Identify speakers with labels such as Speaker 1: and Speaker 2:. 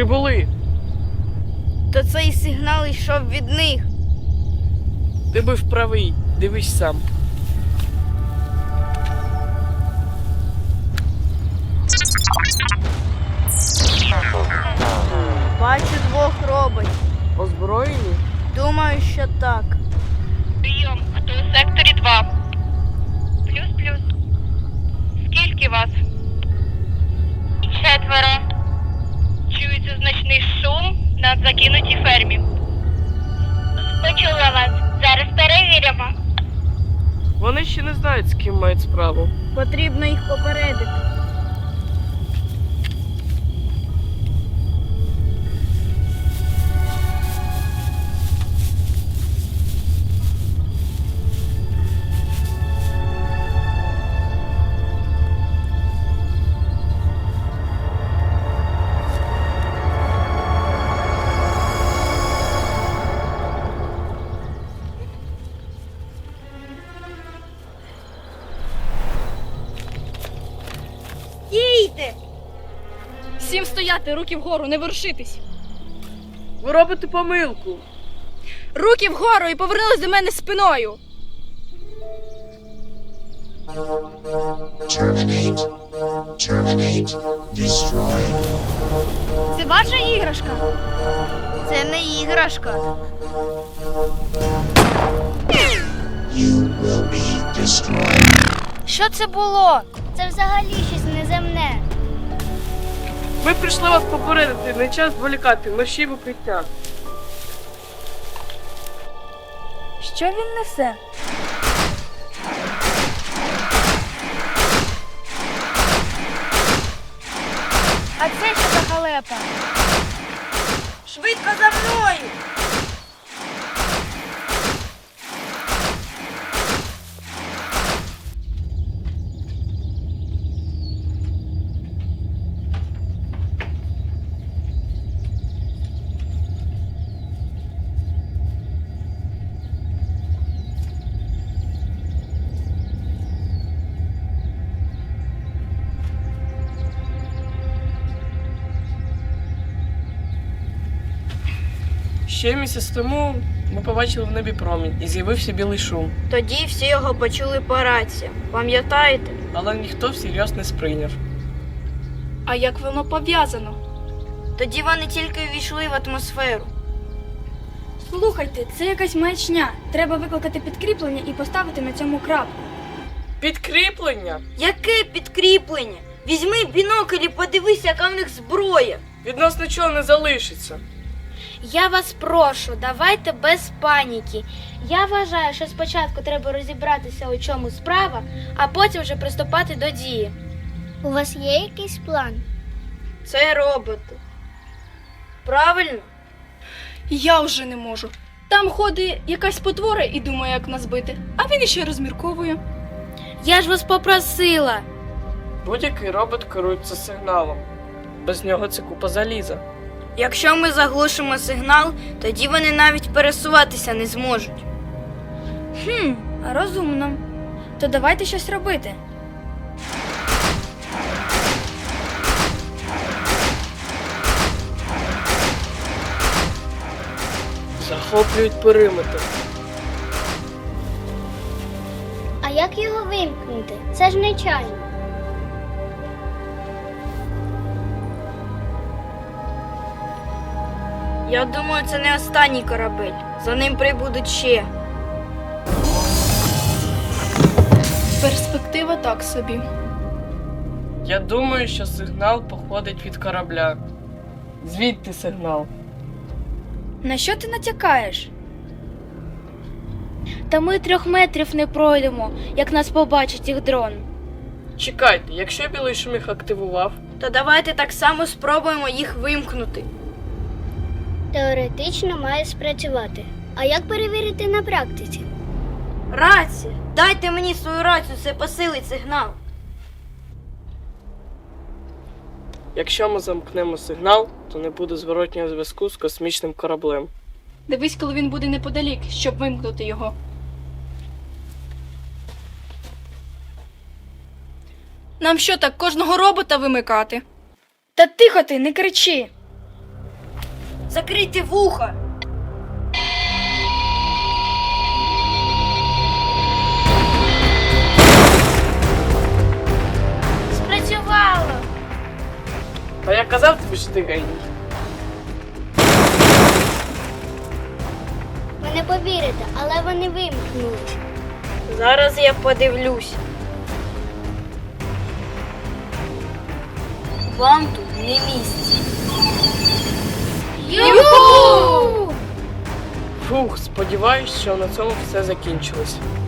Speaker 1: Прибули.
Speaker 2: То цей сигнал йшов від них.
Speaker 1: Ти був правий. Дивись сам.
Speaker 2: Бачу двох роботів.
Speaker 1: Озброєні?
Speaker 2: Думаю, що так.
Speaker 3: Прийом, хто у секторі 2? Плюс-плюс. Скільки вас? 4. Чується значний шум на закинутій фермі. Почула вас. Зараз перевіримо.
Speaker 1: Вони ще не знають, з ким мають справу.
Speaker 2: Потрібно їх попередити. Стійте!
Speaker 4: Всім стояти, руки вгору, не ворушитись.
Speaker 1: Ви робите помилку.
Speaker 4: Руки вгору і повернулись до мене спиною.
Speaker 5: Terminate. Terminate. Destroy.
Speaker 4: Це ваша іграшка?
Speaker 2: Це не іграшка.
Speaker 5: You will be destroyed.
Speaker 2: Що це було? Це взагалі щось неземне.
Speaker 1: Ми прийшли вас попередити, не час зволікати, мерщій в укриття.
Speaker 2: Що він несе? А це що за халепа? Швидко за мною!
Speaker 1: Ще місяць тому ми побачили в небі промінь і з'явився білий шум.
Speaker 2: Тоді всі його почули по раціям. Пам'ятаєте?
Speaker 1: Але ніхто всерйоз не сприйняв.
Speaker 4: А як воно пов'язано?
Speaker 2: Тоді вони тільки ввійшли в атмосферу.
Speaker 4: Слухайте, це якась маячня. Треба викликати підкріплення і поставити на цьому крапку.
Speaker 1: Підкріплення?
Speaker 2: Яке підкріплення? Візьми бінокль і подивися, яка в них зброя.
Speaker 1: Від нас нічого не залишиться.
Speaker 6: Я вас прошу, давайте без паніки. Я вважаю, що спочатку треба розібратися, у чому справа, а потім вже приступати до дії.
Speaker 7: У вас є якийсь план?
Speaker 2: Це роботи. Правильно?
Speaker 4: Я вже не можу. Там ходить якась потвора і думає, як нас бити, а він іще розмірковує.
Speaker 6: Я ж вас попросила.
Speaker 1: Будь-який робот керується сигналом. Без нього це купа заліза.
Speaker 2: Якщо ми заглушимо сигнал, тоді вони навіть пересуватися не зможуть.
Speaker 4: Розумно. То давайте щось робити.
Speaker 1: Захоплюють периметр.
Speaker 7: А як його вимкнути? Це ж нечайно.
Speaker 2: Я думаю, це не останній корабель. За ним прибудуть ще.
Speaker 4: Перспектива так собі.
Speaker 1: Я думаю, що сигнал походить від корабля. Звідти сигнал.
Speaker 4: На що ти натякаєш?
Speaker 6: Та ми 3 метрів не пройдемо, як нас побачить їх дрон.
Speaker 1: Чекайте, якщо білий шум їх активував,
Speaker 2: То давайте так само спробуємо їх вимкнути.
Speaker 7: Теоретично має спрацювати. А як перевірити на практиці?
Speaker 2: Рація! Дайте мені свою рацію, це посилить сигнал.
Speaker 1: якщо ми замкнемо сигнал, то не буде зворотнього зв'язку з космічним кораблем.
Speaker 4: Дивись, коли він буде неподалік, щоб вимкнути його. Нам що так, кожного робота вимикати? Та тихо ти, не кричи.
Speaker 2: Закрийте вуха!
Speaker 6: Спрацювало!
Speaker 1: Та я казав тобі, що ти геній.
Speaker 7: Ви не повірите, але вони вимкнули.
Speaker 2: Зараз я подивлюсь. Вам тут не місце.
Speaker 6: Юху!
Speaker 1: Фух, сподіваюсь, що на цьому все закінчилось.